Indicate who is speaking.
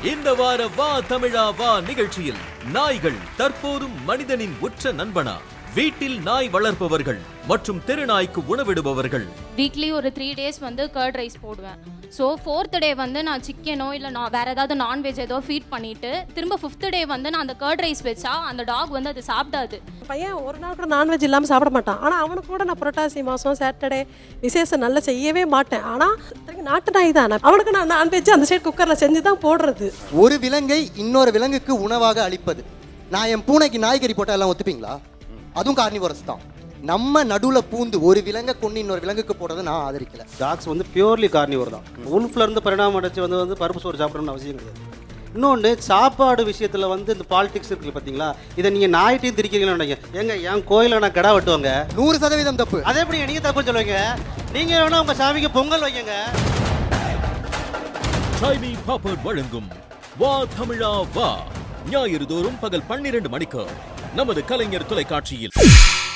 Speaker 1: இந்த வார வா தமிழா வா நிகழ்ச்சியில் நாய்கள் தற்போதும் மனிதனின் உற்ற நண்பனா? வீட்டில் நாய் வளர்ப்பவர்கள் மற்றும் தெருநாய்க்கு உணவிடுபவர்கள்.
Speaker 2: வீக்லி ஒரு 3 days வந்து கர்ட் ரைஸ் போடுவேன். ஸோ 4th டே வந்து நான் சிக்கனோ இல்லை நான் வேறு ஏதாவது நான்வெஜ் ஏதோ ஃபீட் பண்ணிவிட்டு திரும்ப 5th டே வந்து நான் அந்த கர்ட் ரைஸ் வச்சா அந்த டாக் வந்து அது சாப்பிடாது.
Speaker 3: பையன் ஒரு நாள் கூட நான்வெஜ் இல்லாமல் சாப்பிட மாட்டான். ஆனால் அவனுக்கு கூட நான் புரட்டாசி மாதம் சாட்டர்டே விசேஷம் நல்லா செய்யவே மாட்டேன். ஆனால் நாட்டு நாய் தான், அவனுக்கு நான் நான்வெஜ் அந்த சைடு குக்கரில் செஞ்சு தான் போடுறது.
Speaker 4: ஒரு விலங்கை இன்னொரு விலங்குக்கு உணவாக அளிப்பது. நான் என் பூனைக்கு நாய்கறி போட்டால் எல்லாம் ஒத்துப்பீங்களா? அதுவும் கார்னிவோரஸ் தான். நம்ம நடுவில் பூந்து ஒரு விலங்கை கொண்டு இன்னொரு விலங்குக்கு போடுறதை நான் ஆதரிக்கல.
Speaker 5: டாக்ஸ் வந்து பியூர்லி கார்னிவோர் தான். உல்ஃப்ல இருந்து பரிணாமம் அடைச்சு வந்து பருப்பு சோறு சாப்பிடணும்னு அவசியம் கிடையாது. இன்னொன்று சாப்பாடு விஷயத்தில் வந்து இந்த பாலிடிக்ஸ் இருக்கு பார்த்தீங்களா, இதை நீங்கள் நாய்ட்டையும் திரிக்கிறீங்கன்னு நினைக்கிறேன். எங்க என் கோயிலில் நான் கடா வெட்டுவாங்க,
Speaker 4: 100% தப்பு.
Speaker 5: அதே எப்படி நீங்கள் தப்பு சொல்லுவீங்க? நீங்கள் வேணா உங்கள் சாமிக்கு பொங்கல் வைங்க.
Speaker 1: ஷைனி பாப்பர் வழங்கும் வா தமிழா வா ஞாயிறு தோறும் பகல் 12 மணிக்கு நமது கலைஞர் தொலைக்காட்சியில்.